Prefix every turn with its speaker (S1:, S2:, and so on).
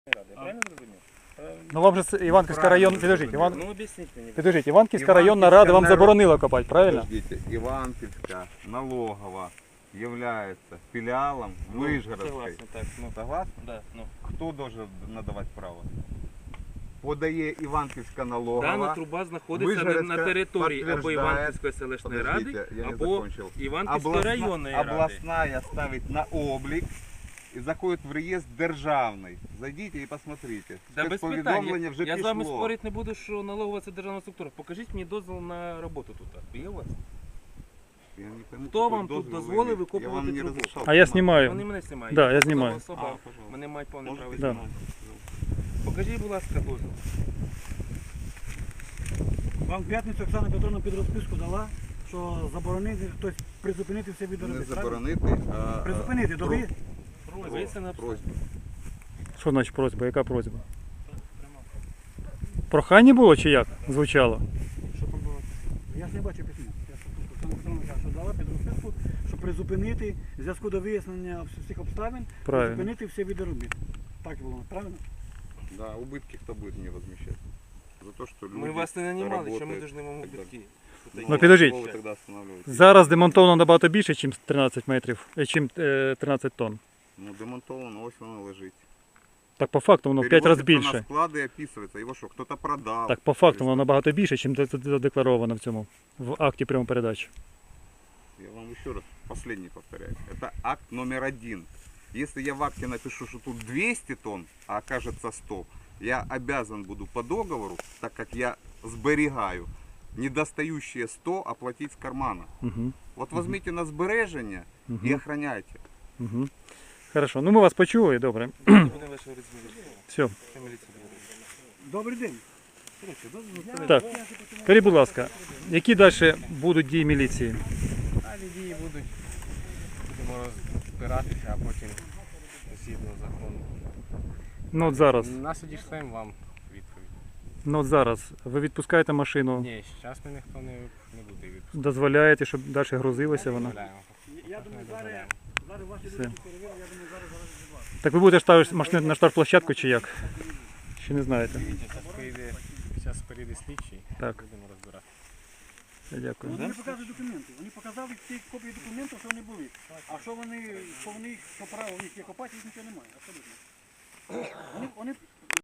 S1: Я правильно зрозумів?
S2: Ну вам же Іванківський район, підождіть,
S1: Ну об'ясніть мені.
S2: підождіть, Іванківська районна рада вам заборонила копати, правильно?
S3: Подождите, Иванківська налогова является филиалом Вышгородской.
S1: Согласен, так. Ну,
S3: Согласны?
S1: да, ну.
S3: Кто должен надавать право? Подає Іванківська налогова.
S1: Дана труба знаходиться на території або Іванківської селищної ради, або Іванківської районної ради.
S3: Областная ставить на облік і заходить в реєстр державний. Зайдіть і посмотрите.
S1: Да без
S3: Спецповідомлення
S1: питань.
S3: вже
S1: Я з вами
S3: пішло.
S1: спорити не буду, що налогова це державна структура. Покажіть мені дозвіл на роботу тут. Є у вас?
S3: Я не пойму,
S1: Хто
S3: какой
S1: вам тут
S3: дозвіл ви
S1: дозволив
S3: имеете?
S1: викопувати
S3: Я вам не
S1: трубу?
S3: разрешал.
S2: А я
S1: Вони
S2: знімаю.
S1: мене знімають.
S2: Да, я
S1: посадова
S2: знімаю.
S1: особа.
S3: пожалуйста.
S1: Вони мають повне
S3: Можете
S1: право
S2: Да.
S1: знімати. Покажіть, будь ласка, дозвіл.
S4: Вам в п'ятницю Оксана Петровна під розписку дала, що заборонити, тобто призупинити все від
S3: Не
S4: робіт.
S3: заборонити, а
S4: Призупинити, добре?
S1: Дивіться на
S3: просьбу.
S2: Що значить просьба? Яка просьба? Прохання було чи як звучало?
S1: Що там було?
S4: Я ж не бачу письма. Я ж тут Оксана Петровна каже, що дала під розписку, що призупинити в зв'язку до вияснення всіх обставин,
S2: Правильно.
S4: призупинити все від робіт. Так було, правильно?
S3: Да, убытки кто будет мне возмещать? За то, что люди
S1: Ми вас не нанімали, що ми
S3: работают.
S1: повинні вам
S3: так
S1: убитки.
S2: Ну, підождіть.
S3: Кого ви тоді останавливаєте?
S2: Зараз демонтовано набагато більше, ніж 13 метрів, ніж 13 тонн.
S3: Ну, демонтовано, ось воно лежить.
S2: Так по факту воно в 5 разів
S3: Перевозиться на
S2: більше.
S3: склади і описується. Його що, хтось продав?
S2: Так по факту воно набагато більше, ніж задекларовано в цьому, в акті прямої передачі.
S3: Я вам еще раз, последний повторяю. Это акт номер 1. Если я в акте напишу, что тут 200 тонн, а окажется 100, я обязан буду по договору, так как я сберегаю, недостающие 100 оплатить с кармана.
S2: Угу.
S3: Вот возьмите на сбережение и охраняйте.
S2: Угу. Хорошо, ну ми вас почули, добре.
S1: Вони ваші розміри.
S2: Все.
S1: Міліція буде.
S4: Добрий день.
S2: Так, скажіть, будь ласка, які далі будуть дії міліції?
S5: Далі дії будуть, будемо розбиратися, а потім згідно закону.
S2: Ну от зараз,
S5: Насудішлем вам відповідь.
S2: ну от зараз ви відпускаєте машину,
S5: Ні, зараз ми ніхто не буде відпускати.
S2: дозволяєте, щоб далі грузилася вона.
S5: Дозволяємо.
S4: Я
S5: Не
S4: думаю,
S5: дозволяємо.
S4: зараз ваші
S2: Все.
S4: люди перевірили, я думаю, зараз від вас.
S2: Так ви будете ставити машину на штрафплощадку чи як? Чи не знаєте?
S5: Зараз перейде слідчий,
S2: Так.
S5: будемо розбирати.
S2: Дякую.
S4: Вони не показують документи. Вони показали ті копії документів, що вони були. А що вони, що право в них є копати, їх нічого немає. Абсолютно. Вони